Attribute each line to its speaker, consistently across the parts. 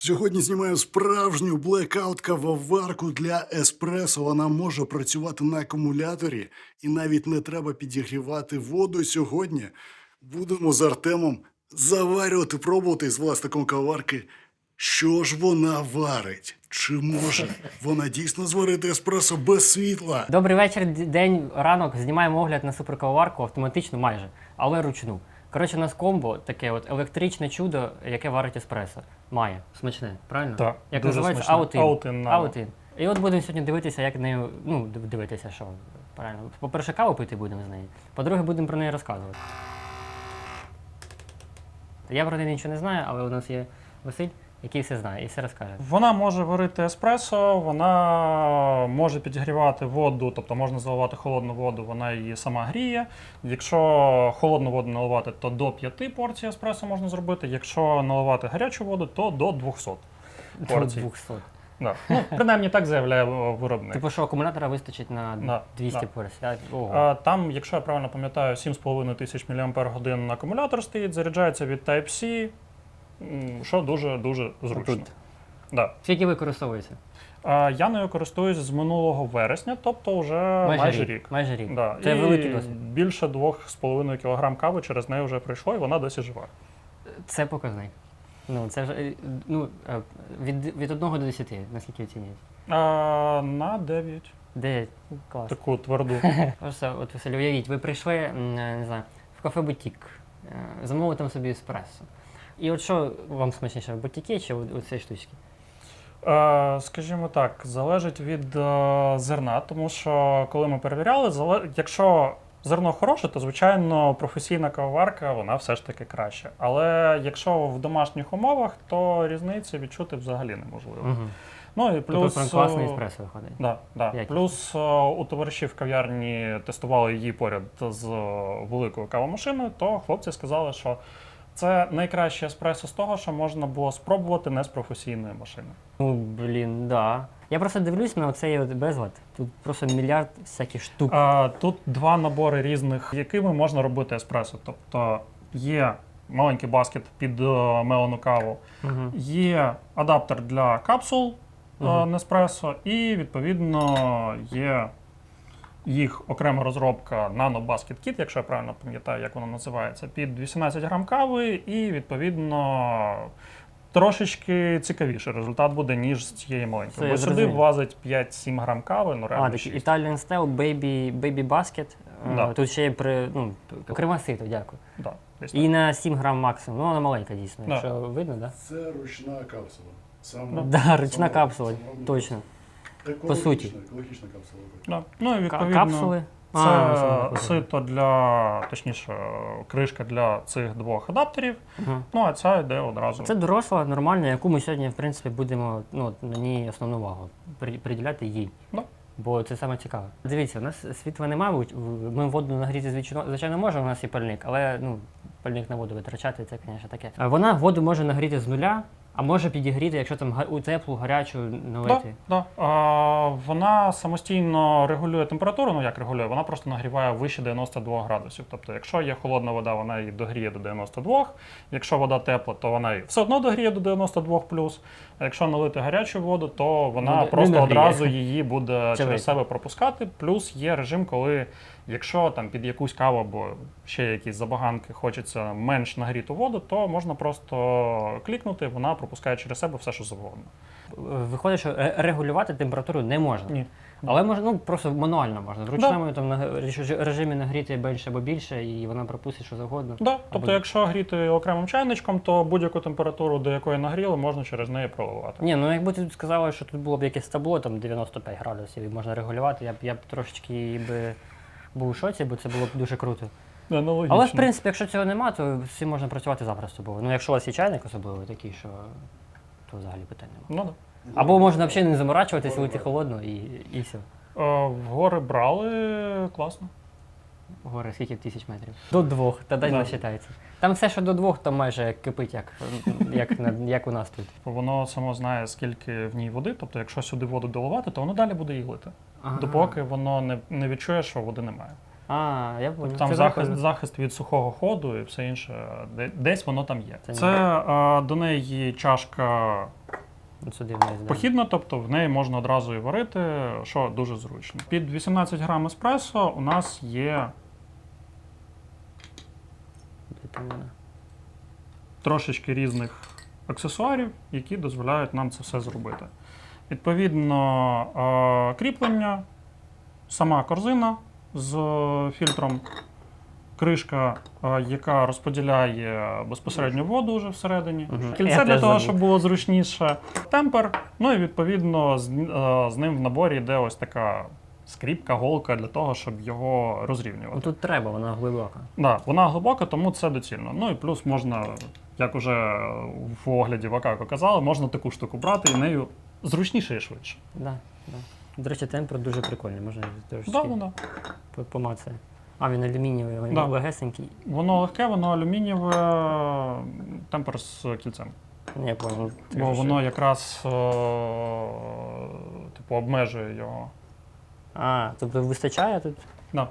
Speaker 1: Сьогодні знімаю справжню блекаут-кавоварку для еспресо. Вона може працювати на акумуляторі і навіть не треба підігрівати воду. Сьогодні будемо з Артемом заварювати, пробувати з власником кавоварки, що ж вона варить. Чи може вона дійсно зварити еспресо без світла?
Speaker 2: Добрий вечір, день, ранок. Знімаємо огляд на суперкавоварку автоматично майже, але ручну. Коротше, у нас комбо таке от електричне чудо, яке варить еспресо. Має. Смачне, правильно?
Speaker 3: Так,
Speaker 2: Як
Speaker 3: дуже
Speaker 2: називається?
Speaker 3: смачне.
Speaker 2: Аутин.
Speaker 3: Aoutin,
Speaker 2: Аутин. І от будемо сьогодні дивитися, як нею, дивитися, що правильно. По-перше, каву пити будемо з неї. По-друге, будемо про неї розказувати. Я про неї нічого не знаю, але у нас є Василь, який все знає і все розкаже.
Speaker 3: Вона може варити еспресо, вона може підігрівати воду, тобто можна заливати холодну воду, вона її сама гріє. Якщо холодну воду наливати, то до 5 порцій еспресо можна зробити. Якщо наливати гарячу воду, то до 200 порцій.
Speaker 2: До 200.
Speaker 3: Да. Ну, принаймні так заявляє виробник.
Speaker 2: Типу, що акумулятора вистачить на 200 порцій? Ого.
Speaker 3: Там, якщо я правильно пам'ятаю, 7,5 тисяч мАч акумулятор стоїть, заряджається від Type-C, що дуже-дуже зручно.
Speaker 2: Тут.
Speaker 3: Да.
Speaker 2: Скільки використовується?
Speaker 3: Я нею користуюсь з минулого вересня, тобто вже майже рік.
Speaker 2: Майже рік.
Speaker 3: Да.
Speaker 2: Це
Speaker 3: і
Speaker 2: великий досвід.
Speaker 3: Більше 2,5 кг кави через неї вже пройшло, і вона досі жива.
Speaker 2: Це показник. Ну, це вже від 1 до 10, наскільки оцінюють?
Speaker 3: На 9.
Speaker 2: 9. Клас.
Speaker 3: Таку тверду.
Speaker 2: Просто, от, Василь, уявіть, ви прийшли, не знаю, в кафе-бутік, замовили там собі еспресо. І от що вам смачніше, в бутіки чи у цієї штучки?
Speaker 3: Скажімо так, залежить від зерна, тому що коли ми перевіряли, якщо зерно хороше, то, звичайно, професійна кавоварка, вона все ж таки краще. Але якщо в домашніх умовах, то різниці відчути взагалі неможливо.
Speaker 2: Угу.
Speaker 3: Ну і плюс
Speaker 2: Тобто класний еспресо виходить.
Speaker 3: Да. Плюс у товаришів в кав'ярні тестували її поряд з великою кавомашиною, то хлопці сказали, що це найкраще еспресо з того, що можна було спробувати не з професійної машини.
Speaker 2: Ну, блін, да. Я просто дивлюсь на оцей от безлад. Тут просто мільярд всяких штук.
Speaker 3: Тут два набори різних, якими можна робити еспресо. Тобто є маленький баскет під мелену каву, є адаптер для капсул Неспресо і, відповідно, є їх окрема розробка Nano Basket Kit, якщо я правильно пам'ятаю, як воно називається, під 18 грам кави і, відповідно, трошечки цікавіший результат буде, ніж з цієї маленької. Бо сюди влазить 5-7 грам кави, ну реально 6.
Speaker 2: Такий Italian Style Baby Basket.
Speaker 3: Да.
Speaker 2: Тут ще є окрема сито, дякую.
Speaker 3: Да,
Speaker 2: і на 7 грам максимум. Ну, вона маленька дійсно,
Speaker 3: Да.
Speaker 2: якщо видно, так? Да?
Speaker 1: Це ручна капсула.
Speaker 2: Да, ручна капсула, точно. По суті.
Speaker 1: Екологічна капсула.
Speaker 3: Да. Ну і відповідно
Speaker 2: Капсули.
Speaker 3: це сито для, точніше, кришка для цих двох адаптерів. Ну а ця йде одразу.
Speaker 2: Це доросла, нормальна, яку ми сьогодні, в принципі, будемо на ній основну увагу приділяти їй.
Speaker 3: Да.
Speaker 2: Бо це саме цікаве. Дивіться, у нас світла немає, ми воду нагріти, звичайно, можемо, у нас є пальник, але пальник на воду витрачати, це, звісно, таке. Вона воду може нагріти з нуля, а може підігріти, якщо там у теплу, гарячу налити.
Speaker 3: Да. Вона самостійно регулює температуру, ну як регулює, вона просто нагріває вище 92 градусів. Тобто, якщо є холодна вода, вона її догріє до 92, якщо вода тепла, то вона її все одно догріє до 92 плюс, а якщо налити гарячу воду, то вона просто одразу її буде через себе пропускати. Плюс є режим, коли якщо там під якусь каву або ще якісь забаганки хочеться менш нагріту воду, то можна просто клікнути, вона пропускає через себе все, що завгодно.
Speaker 2: Виходить, що регулювати температуру не можна.
Speaker 3: Ні.
Speaker 2: Але можна, просто мануально можна. В ручному режимі нагріти більше або більше, і вона пропустить що завгодно.
Speaker 3: Да. Тобто, якщо гріти окремим чайничком, то будь-яку температуру, до якої нагріли, можна через неї проливати.
Speaker 2: Ні, якби ти сказала, що тут було б якесь табло, там 95 градусів, і можна регулювати, я б трошечки був у шоці, бо це було б дуже круто.
Speaker 3: Аналогічно.
Speaker 2: Але, в принципі, якщо цього немає, то всім можна працювати запросто. Бо, якщо у вас є чайник особливо такий, то взагалі питань немає.
Speaker 3: Ну, да.
Speaker 2: Або можна взагалі не заморачуватися, лити холодно і все.
Speaker 3: В гори брали, класно.
Speaker 2: Гори, скільки тисяч метрів? До 2, тоді не вважається. Там все, що до 2, там майже кипить, як у нас тут.
Speaker 3: Воно само знає, скільки в ній води, тобто якщо сюди воду доливати, то воно далі буде її лити.
Speaker 2: Ага.
Speaker 3: Допоки воно не відчує, що води немає.
Speaker 2: А, я понял.
Speaker 3: Там
Speaker 2: Це
Speaker 3: захист,
Speaker 2: прикольно.
Speaker 3: захист від сухого ходу і все інше. Десь воно там є.
Speaker 2: Це
Speaker 3: Це до неї чашка
Speaker 2: От сюди вниз, да.
Speaker 3: похідна, тобто в неї можна одразу і варити, що дуже зручно. Під 18 грам еспресо у нас є
Speaker 2: Де там вона?
Speaker 3: трошечки різних аксесуарів, які дозволяють нам це все зробити. Відповідно, кріплення, сама корзина з фільтром, кришка, яка розподіляє безпосередньо воду вже всередині,
Speaker 2: Мгм.
Speaker 3: кільце
Speaker 2: Я
Speaker 3: для
Speaker 2: теж
Speaker 3: того,
Speaker 2: забув.
Speaker 3: щоб було зручніше, темпер, ну і відповідно з ним в наборі йде ось така скріпка, голка для того, щоб його розрівнювати.
Speaker 2: Ну тут треба, вона глибока.
Speaker 3: Да, вона глибока, тому це доцільно. Ну і плюс можна, як уже в огляді Вакако казали, можна таку штуку брати і нею зручніше і швидше.
Speaker 2: Да, да. До речі, темпер дуже прикольний, можна трошки
Speaker 3: Да, да.
Speaker 2: помацати. А, він алюмінієвий, він
Speaker 3: Да.
Speaker 2: легесенький.
Speaker 3: Воно легке, воно алюмінієве, темпер з кільцем.
Speaker 2: Я понял.
Speaker 3: Бо воно якраз типу, обмежує його.
Speaker 2: А, тобто вистачає тут?
Speaker 3: Да.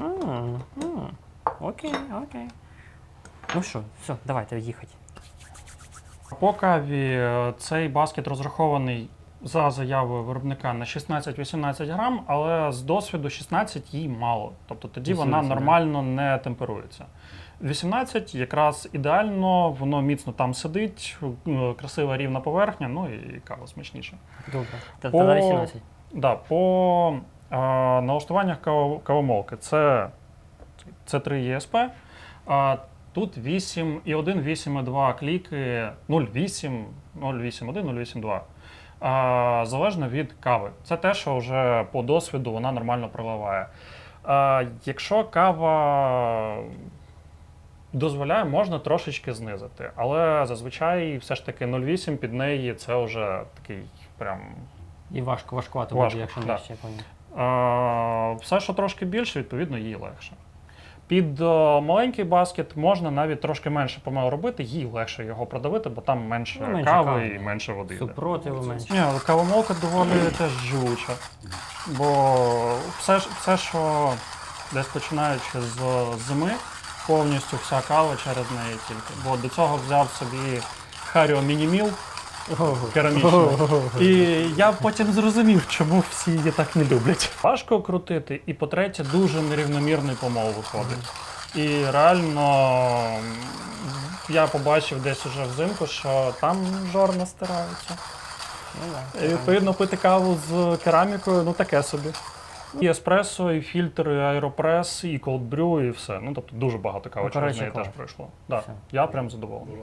Speaker 2: Окей, окей. Ну що, все, давайте їхати.
Speaker 3: По каві цей баскет розрахований за заявою виробника на 16-18 грам, але з досвіду 16 їй мало. Тобто тоді вона
Speaker 2: 18, да.
Speaker 3: нормально не темперується. 18 якраз ідеально, воно міцно там сидить, красива рівна поверхня, ну і кава смачніша.
Speaker 2: Добре. Та
Speaker 3: По-
Speaker 2: тоді 18.
Speaker 3: Да, по налаштуваннях кавомолки це 3 ESP. Тут 8,1, 8,2 кліки, 0,8, 0,8,1, 0,8,2. Залежно від кави. Це те, що вже по досвіду вона нормально проливає. Якщо кава дозволяє, можна трошечки знизити. Але зазвичай все ж таки 0,8 під неї це вже такий прям.
Speaker 2: І важкувато
Speaker 3: Важко,
Speaker 2: буде, якщо
Speaker 3: да.
Speaker 2: нижче, я понял.
Speaker 3: Все, що трошки більше, відповідно, їй легше. Під маленький баскет можна навіть трошки менше помил робити, їй легше його продавити, бо там менше,
Speaker 2: Ну, менше
Speaker 3: кави
Speaker 2: кави.
Speaker 3: і менше води йде.
Speaker 2: Супротиву менше.
Speaker 3: Ні, але кавомолка доволі теж живуча. Бо все, що десь починаючи з зими, повністю вся кава через неї тільки. Бо до цього взяв собі Харіо Мініміл керамічну. І я потім зрозумів, чому всі її так не люблять. Важко крутити, і по-третє, дуже нерівномірний помол виходить. І реально я побачив десь уже взимку, що там жорна стирається.
Speaker 2: Ну, да.
Speaker 3: І відповідно пити каву з керамікою, ну таке собі. І еспресо, і фільтр, і аеропрес, і колдбрю, і все. Ну тобто дуже багато кави
Speaker 2: Ну,
Speaker 3: через
Speaker 2: коротше,
Speaker 3: неї теж
Speaker 2: клас.
Speaker 3: пройшло. Да,
Speaker 2: Все.
Speaker 3: я прям задоволений.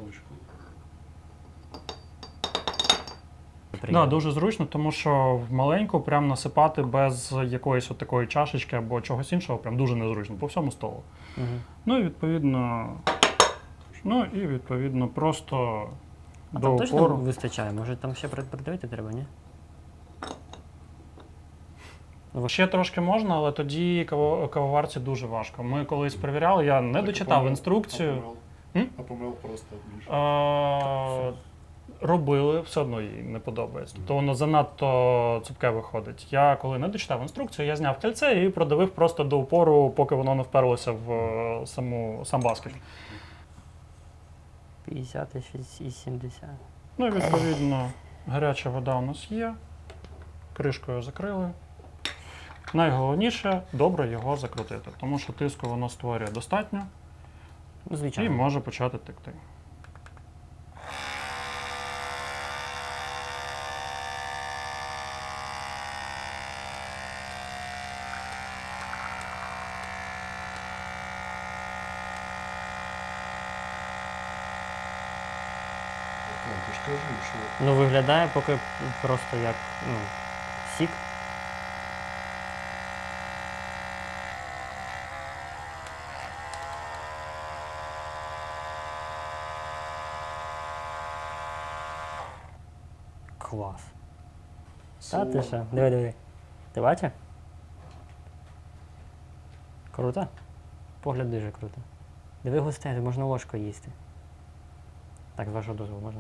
Speaker 3: Да,
Speaker 2: Приємно.
Speaker 3: дуже зручно, тому що в маленьку прям насипати без якоїсь от такої чашечки або чогось іншого прям дуже незручно по всьому столу.
Speaker 2: Мгм.
Speaker 3: Ну і відповідно просто
Speaker 2: А
Speaker 3: до
Speaker 2: там точно
Speaker 3: упору.
Speaker 2: вистачає? Може там ще придавити треба, ні?
Speaker 3: Ще трошки можна, але тоді кавоварці дуже важко. Ми колись перевіряли, я не дочитав інструкцію.
Speaker 1: А помил просто більше.
Speaker 3: Робили, все одно їй не подобається. Тобто воно занадто цупке виходить. Я коли не дочитав інструкцію, я зняв кільце і продавив просто до упору, поки воно не вперлося в сам баскет.
Speaker 2: 50 і 70.
Speaker 3: Ну і відповідно гаряча вода у нас є. Кришкою закрили. Найголовніше добре його закрутити, тому що тиску воно створює достатньо
Speaker 2: Ну,
Speaker 3: і
Speaker 2: звичайно.
Speaker 3: може почати текти.
Speaker 1: Ти ж кажи, що
Speaker 2: Ну, виглядає поки просто як сік. Клас. Та ти що? Диви, диви. Ти бачиш? Круто? Погляд дуже круто. Диви густе, можна ложкою їсти. Так, з вашого дозволу можна?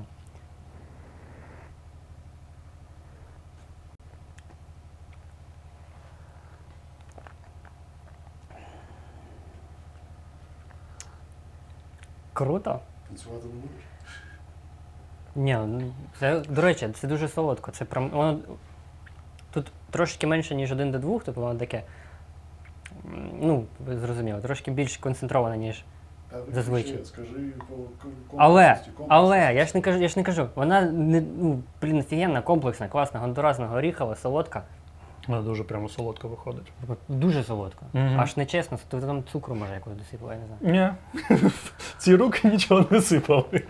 Speaker 2: Круто.
Speaker 1: Танцювати не будеш?
Speaker 2: Ні, ну, це, до речі, це дуже солодко. Це прям, воно тут трошки менше, ніж 1 до 2, тобто воно таке, ну, ви зрозуміли, трошки більш концентроване, ніж. Зазвичай.
Speaker 1: Скажи по
Speaker 2: Але, я ж не кажу, вона не, ну, блін, офігенна, комплексна, класна, гондуразна, горіхова, солодка.
Speaker 3: Вона дуже прямо солодко виходить.
Speaker 2: Дуже солодка.
Speaker 3: Мгм.
Speaker 2: Аж нечесно, то там цукру може якось досипала, я не знаю.
Speaker 3: Ні. Ці руки нічого не сипали.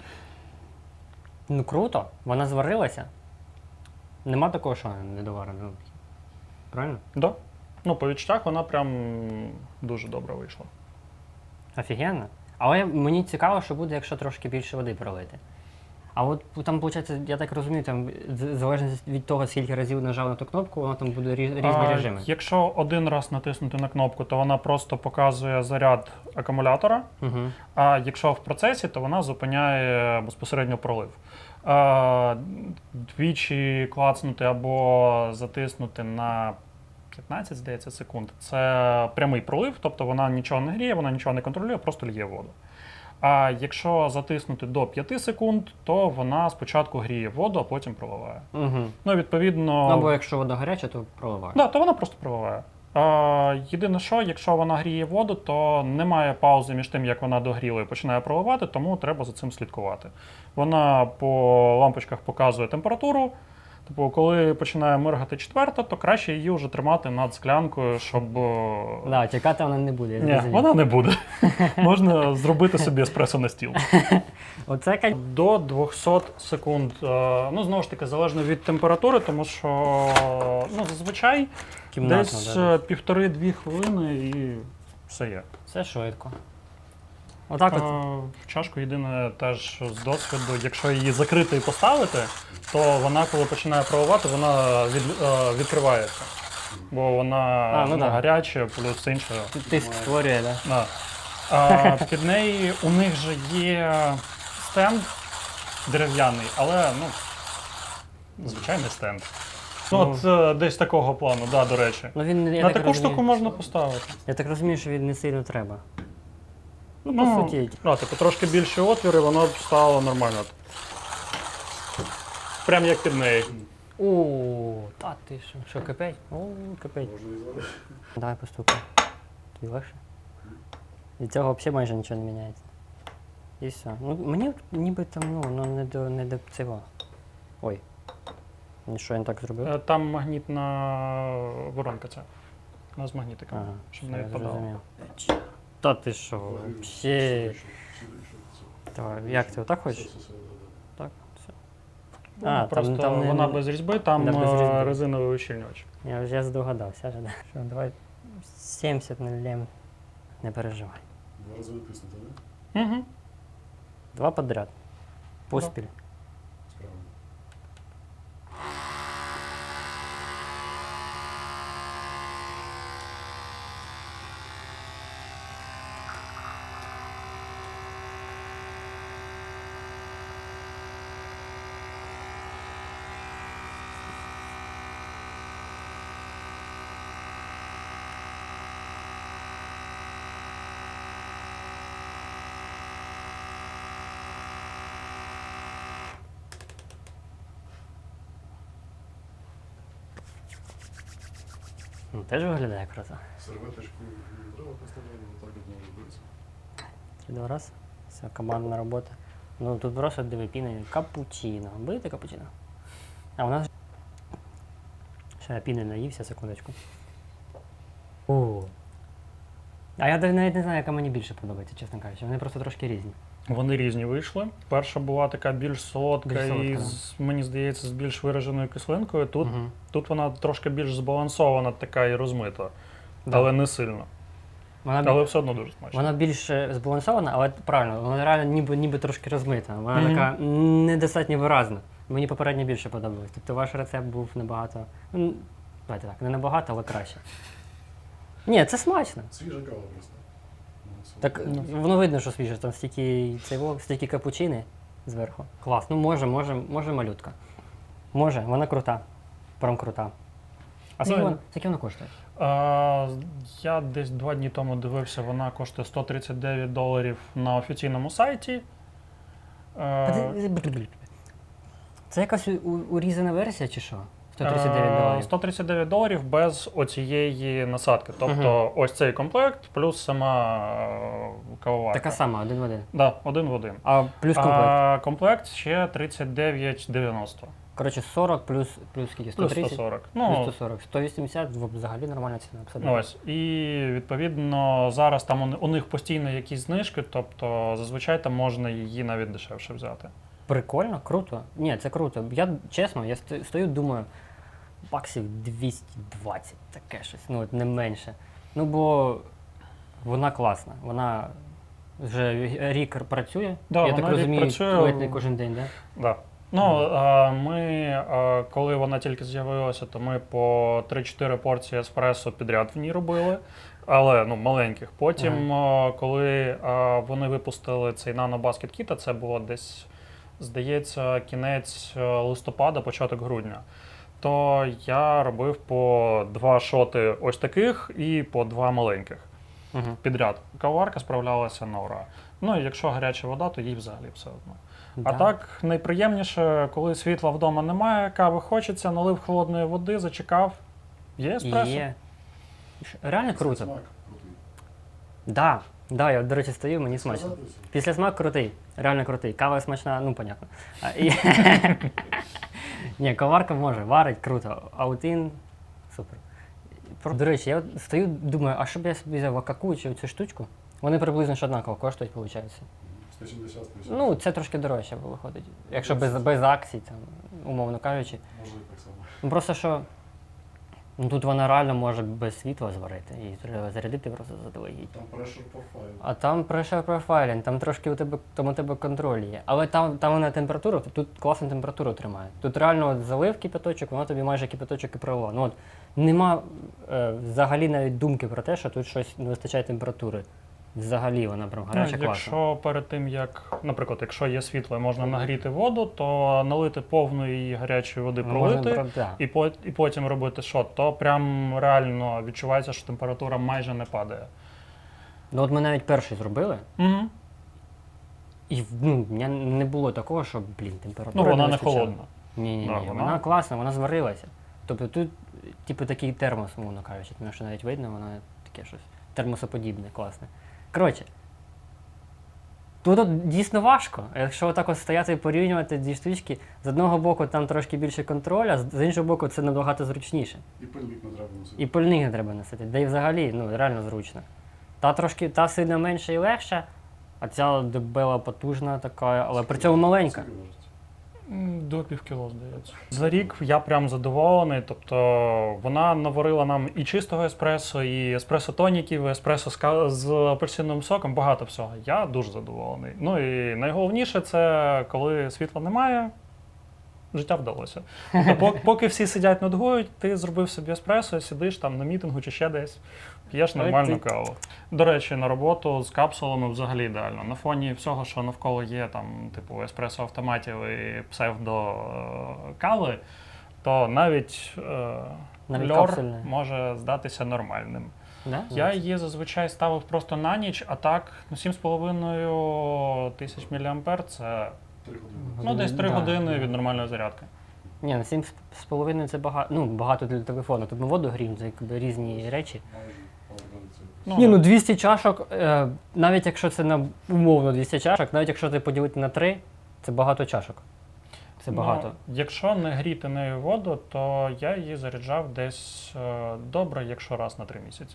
Speaker 2: Ну круто, вона зварилася. Нема такого, що вона недоварена. Ну, правильно?
Speaker 3: Да. Ну, по відчуттях вона прям дуже добре вийшла.
Speaker 2: Офігенно. Але мені цікаво, що буде, якщо трошки більше води пролити. А от там, виходить, я так розумію, там залежно від того, скільки разів нажав на ту кнопку, воно там буде різні режими.
Speaker 3: Якщо один раз натиснути на кнопку, то вона просто показує заряд акумулятора.
Speaker 2: Угу.
Speaker 3: А якщо в процесі, то вона зупиняє безпосередньо пролив. Двічі клацнути або затиснути на 15, здається, секунд. Це прямий пролив, тобто вона нічого не гріє, вона нічого не контролює, просто лє воду. А якщо затиснути до 5 секунд, то вона спочатку гріє воду, а потім проливає.
Speaker 2: Угу.
Speaker 3: Ну, відповідно.
Speaker 2: Ну, або якщо вода гаряча, то проливає.
Speaker 3: Да, то вона просто проливає. Єдине, що якщо вона гріє воду, то немає паузи між тим, як вона догріла і починає проливати, тому треба за цим слідкувати. Вона по лампочках показує температуру. Типу, коли починає миргати 4, то краще її вже тримати над склянкою, щоб.
Speaker 2: Да, тікати вона не буде. Я
Speaker 3: Ні,
Speaker 2: зрозумів.
Speaker 3: вона не буде. Можна зробити собі еспресо на стіл.
Speaker 2: Оце
Speaker 3: До 200 секунд. Ну, знову ж таки, залежно від температури, тому що ну, зазвичай
Speaker 2: кімнатно,
Speaker 3: десь
Speaker 2: да.
Speaker 3: 1,5-2 хвилини і все є.
Speaker 2: Це швидко. Отак от.
Speaker 3: В чашку єдине теж з досвіду, якщо її закрити і поставити, то вона, коли починає проливати, вона відкривається. Бо вона
Speaker 2: ну да.
Speaker 3: гаряча, плюс інше.
Speaker 2: Тиск створює, так? Да?
Speaker 3: Да. Під неї у них же є стенд дерев'яний, але ну, звичайний стенд. Ну, от десь такого плану, да, до речі.
Speaker 2: Ну, він, я
Speaker 3: На
Speaker 2: так
Speaker 3: таку
Speaker 2: розумію,
Speaker 3: штуку можна поставити.
Speaker 2: Я так розумію, що він не сильно треба. Ну, по суті.
Speaker 3: Типу, трошки більше отвір, і воно б стало нормально. Прям як під неї.
Speaker 2: О, та ти що? Що, кипить? О, кипить. Давай постукай. Тобі легше? Від цього взагалі майже нічого не міняється. І все. Ну, мені ніби там, ну не до цього. Ой. Що я не так зробив?
Speaker 3: Там магнітна воронка ця. Вона з магнітиком,
Speaker 2: Ага,
Speaker 3: щоб
Speaker 2: все,
Speaker 3: не
Speaker 2: я
Speaker 3: відпадало.
Speaker 2: зрозумів. Та ти що? Взагалі. Давай, як ти отак хочеш? Так, все.
Speaker 3: Ну, просто
Speaker 2: не-
Speaker 3: вона без різьби, там
Speaker 2: Да, без різьби.
Speaker 3: резиновий ущільнювач.
Speaker 2: Я здогадався вже. Да. Що, давай 70 налємо. Не переживай.
Speaker 1: 2 рази витиснути, не?
Speaker 3: Угу.
Speaker 2: 2 подряд. Поспіль.
Speaker 1: Справді.
Speaker 2: Ну, теж виглядає круто.
Speaker 1: Серветочку не треба поставляти, отак от може робити.
Speaker 2: 3-2 раз. Все, командна робота. Ну тут просто диви піни. Капучино. Будете капучино? А у нас. Ще я піни наївся, секундочку. О. А я навіть не знаю, яка мені більше подобається, чесно кажучи. Вони просто трошки різні.
Speaker 3: Вони різні вийшли. Перша була така більш солодка
Speaker 2: Більш солодка,
Speaker 3: і,
Speaker 2: да.
Speaker 3: мені здається, з більш вираженою кислинкою. Тут,
Speaker 2: Мгм.
Speaker 3: тут вона трошки більш збалансована, така і розмита,
Speaker 2: Да.
Speaker 3: але не сильно.
Speaker 2: Вона,
Speaker 3: Але все одно дуже смачно.
Speaker 2: вона більш збалансована, але правильно, вона реально ніби трошки розмита. Вона
Speaker 3: Мгм.
Speaker 2: така недостатньо виразна. Мені попередньо більше подобалось. Тобто ваш рецепт був набагато. Ну, давайте так, не набагато, але краще. Ні, це смачно.
Speaker 1: Свіжа кава просто. Ну, це-
Speaker 2: Так воно видно, що свіже, там стільки капучини зверху. Клас. Ну може малютка. Може, вона крута. Прям крута. А
Speaker 3: Ну,
Speaker 2: скільки вона коштує?
Speaker 3: Я десь 2 дні тому дивився, вона коштує $139 на офіційному сайті.
Speaker 2: Це якась урізана версія чи що? $139.
Speaker 3: $139 без оцієї насадки. Тобто ось цей комплект плюс сама кавоварка.
Speaker 2: Така сама, один в один.
Speaker 3: Да, один в один.
Speaker 2: А плюс комплект?
Speaker 3: А комплект ще $39,90.
Speaker 2: Коротше, 40 плюс скільки?
Speaker 3: Плюс
Speaker 2: 130?
Speaker 3: 140.
Speaker 2: Плюс
Speaker 3: Ну,
Speaker 2: 140. 180 взагалі нормальна ціна. Абсолютно.
Speaker 3: ось. І відповідно зараз там у них постійно якісь знижки, тобто зазвичай там можна її навіть дешевше взяти.
Speaker 2: Прикольно, круто. Ні, це круто. Я чесно, я стою, думаю, баксів 220, таке щось, ну от не менше. Ну бо вона класна, вона вже рік працює.
Speaker 3: Да,
Speaker 2: я
Speaker 3: вона
Speaker 2: так
Speaker 3: рік
Speaker 2: розумію,
Speaker 3: працює.
Speaker 2: ледь не кожен день, так? Да?
Speaker 3: Да. Ну, ми, коли вона тільки з'явилася, то ми по 3-4 порції еспресо підряд в ній робили, але ну, маленьких. Потім, коли вони випустили цей Nano Basket Kit, це було десь, здається, кінець листопада, початок грудня, то я робив по 2 шоти ось таких і по 2 маленьких підряд. Кавоварка справлялася на ура. Ну і якщо гаряча вода, то їй взагалі все одно. А
Speaker 2: Да.
Speaker 3: так, найприємніше, коли світла вдома немає, кави хочеться, налив холодної води, зачекав. Є еспресо.
Speaker 2: Є. Реально круто.
Speaker 1: Смак крутий.
Speaker 2: Да, да, я, до речі, стою, мені смачно.
Speaker 1: Сказати все?
Speaker 2: Після смак крутий, реально крутий. Кава смачна, ну, понятно. Ні, коварка може, варить, круто. Аутин, супер. До речі, я от стою, думаю, а що б я собі взяв Акаку чи цю штучку? Вони приблизно ж однаково коштують, виходить.
Speaker 1: 170 тисяч.
Speaker 2: Ну, це трошки дорожче виходить. Якщо без акцій, там, умовно кажучи.
Speaker 1: Може і так само.
Speaker 2: Ну просто що ну, тут вона реально може без світла зварити. Її треба зарядити просто заздалегідь.
Speaker 1: Там прешер по файлу.
Speaker 2: А там pressure profiling, там трошки у тебе контроль є. Але там вона температура, тут класну температуру тримає. Тут реально от залив кипяточок, воно тобі майже кипяточок і пролило. Ну от нема взагалі навіть думки про те, що тут щось не вистачає температури. Взагалі вона прям гаряча, класна.
Speaker 3: Якщо перед тим, як, наприклад, якщо є світло і можна нагріти воду, то налити повної гарячої води, пролити
Speaker 2: да.
Speaker 3: і потім робити шот, то прям реально відчувається, що температура майже не падає.
Speaker 2: Ну от ми навіть перший зробили,
Speaker 3: Угу.
Speaker 2: і ну, в мене не було такого, що, блін, температура
Speaker 3: Ну, вона не
Speaker 2: вистачала.
Speaker 3: холодна.
Speaker 2: Ні,
Speaker 3: Да,
Speaker 2: вона класна, вона зварилася. Тобто тут, типу, такий термос, умовно кажучи, тому що навіть видно, воно таке щось термосоподібне, класне. Коротше, тут от дійсно важко. Якщо отак от стояти і порівнювати дві штучки, з одного боку там трошки більше контролю, а з іншого боку це набагато зручніше.
Speaker 1: І пильник не треба носити.
Speaker 2: І пильник не треба носити. Да і взагалі, ну, реально зручно. Та сильно менша і легша, а ця дебела потужна така, але при цьому маленька.
Speaker 1: Скільки важить?
Speaker 3: До півкіло, здається. За рік я прям задоволений. Тобто вона наварила нам і чистого еспресо, і еспресо-тоніків, і еспресо з апельсиновим соком, багато всього. Я дуже задоволений. Ну і найголовніше це коли світла немає, життя вдалося. Тобто, поки всі сидять нудгують, ти зробив собі еспресо, сидиш там на мітингу чи ще десь, п'єш нормальну каву. До речі, на роботу з капсулами взагалі ідеально. На фоні всього, що навколо є, там, типу еспресо-автоматів і псевдо-кави, то навіть льор
Speaker 2: капсульне.
Speaker 3: може здатися нормальним.
Speaker 2: Да?
Speaker 3: Я її зазвичай ставив просто на ніч, а так ну, 7,5 тисяч мА – це
Speaker 1: 3 години.
Speaker 3: ну, десь 3
Speaker 2: Да.
Speaker 3: години від нормальної зарядки.
Speaker 2: Ні, на 7,5 це багато, ну, багато для телефону. Тут ми воду гріємо, це якби різні речі.
Speaker 1: Майже половина цього.
Speaker 3: Ну,
Speaker 2: Ні, ну 200 чашок, навіть якщо це на умовно 200 чашок, навіть якщо ти поділити на 3, це багато чашок. Це багато.
Speaker 3: Ну, якщо не гріти нею воду, то я її заряджав десь добре, якщо раз на 3 місяці.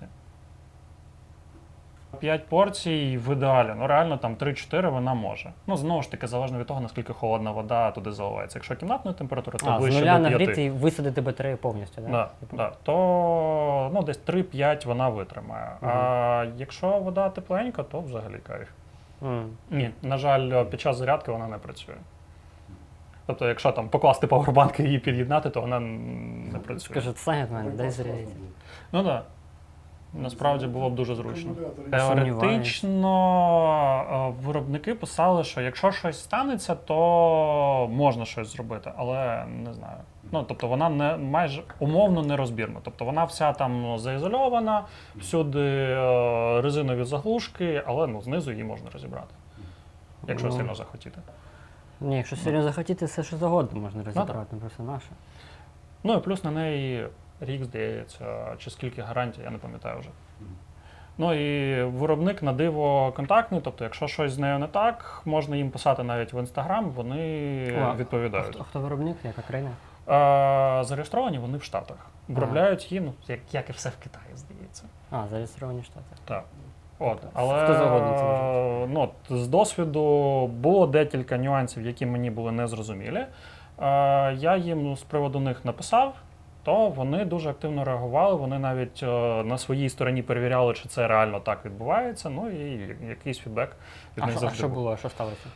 Speaker 3: 5 порцій в ідеалі, ну реально там 3-4 вона може. Ну, знову ж таки, залежно від того, наскільки холодна вода туди заливається. Якщо кімнатна температура, то
Speaker 2: А, з
Speaker 3: ближче
Speaker 2: нуля
Speaker 3: до 5.
Speaker 2: нагріти і висадити батарею повністю, так?
Speaker 3: Да, да. То ну, десь 3-5 вона витримає. А якщо вода тепленька, то взагалі кайф. Ні, на жаль, під час зарядки вона не працює. Тобто, якщо там покласти павербанк і її під'єднати, то вона не працює.
Speaker 2: Скажу, Саня, в мене, дай
Speaker 1: Класно
Speaker 2: зарядити.
Speaker 1: було.
Speaker 3: Ну так. Да. Насправді було б дуже зручно.
Speaker 2: Сумніваюсь.
Speaker 3: Теоретично виробники писали, що якщо щось станеться, то можна щось зробити, але не знаю. Ну, тобто вона не майже умовно нерозбірна. Тобто вона вся там заізольована, всюди резинові заглушки, але ну, знизу її можна розібрати, якщо сильно захотіти.
Speaker 2: Ні, якщо сильно захотіти, все що завгодно можна розібрати, ну, просто наше.
Speaker 3: Ну і плюс на неї рік, здається, чи скільки гарантій, я не пам'ятаю вже. Ну і виробник на диво контактний, тобто якщо щось з нею не так, можна їм писати навіть в Інстаграм, вони відповідають.
Speaker 2: А хто виробник, яка країна?
Speaker 3: Зареєстровані вони в Штатах. Виробляють її, ну, як і все в Китаї, здається.
Speaker 2: Зареєстровані Штати.
Speaker 3: Так. От, але
Speaker 2: Хто завгодно це може.
Speaker 3: ну, з досвіду було декілька нюансів, які мені були незрозумілі. Я їм з приводу них написав, то вони дуже активно реагували, вони навіть на своїй стороні перевіряли, чи це реально так відбувається, ну і якийсь фідбек від них завжди
Speaker 2: що
Speaker 3: був.
Speaker 2: було? Що сталося?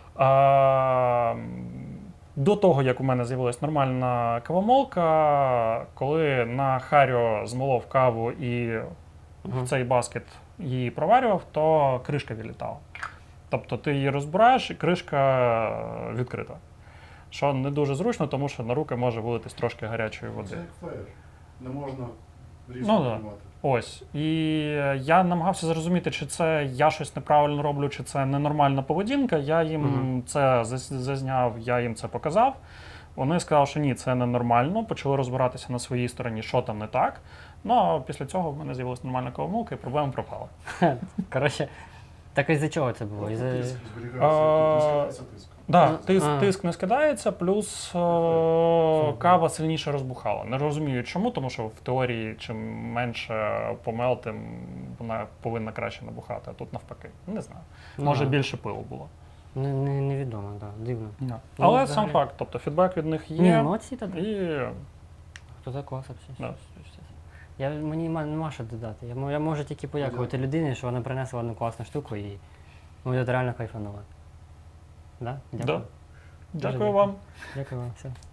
Speaker 3: До того, як у мене з'явилась нормальна кавомолка, коли на Харіо змолов каву і в цей баскет її проварював, то кришка відлітала. Тобто ти її розбираєш і кришка відкрита. Що не дуже зручно, тому що на руки може вилитись трошки гарячої води.
Speaker 1: Це як фаєр. Не можна різко
Speaker 3: Ну, да.
Speaker 1: приймати.
Speaker 3: Ось. І я намагався зрозуміти, чи це я щось неправильно роблю, чи це ненормальна поведінка. Я їм це зазняв, я їм це показав. Вони сказали, що ні, це ненормально, почали розбиратися на своїй стороні, що там не так. Ну, а після цього в мене з'явилася нормальна кавомолка і проблема пропала.
Speaker 2: Коротше, так із-за чого це було? Із-за...
Speaker 1: Тиск зберігається, тиск.
Speaker 3: Да, тиск не скидається, плюс кава сильніше розбухала. Не розумію чому, тому що в теорії чим менше помел, тим вона повинна краще набухати, а тут навпаки. Не знаю. Може більше пилу було.
Speaker 2: Невідомо, так, дивно.
Speaker 3: Але
Speaker 2: взагалі-
Speaker 3: сам факт, тобто фідбек від них
Speaker 2: Ні,
Speaker 3: є.
Speaker 2: молодці тоді.
Speaker 3: І
Speaker 2: Хто за клас взагалі?
Speaker 3: Да.
Speaker 2: Мені нема що додати. Я можу тільки подякувати людині, що вона принесла одну класну штуку і я реально кайфанула. Да? Дякую.
Speaker 3: Да. Дякую вам.
Speaker 2: Дякую вам. Все.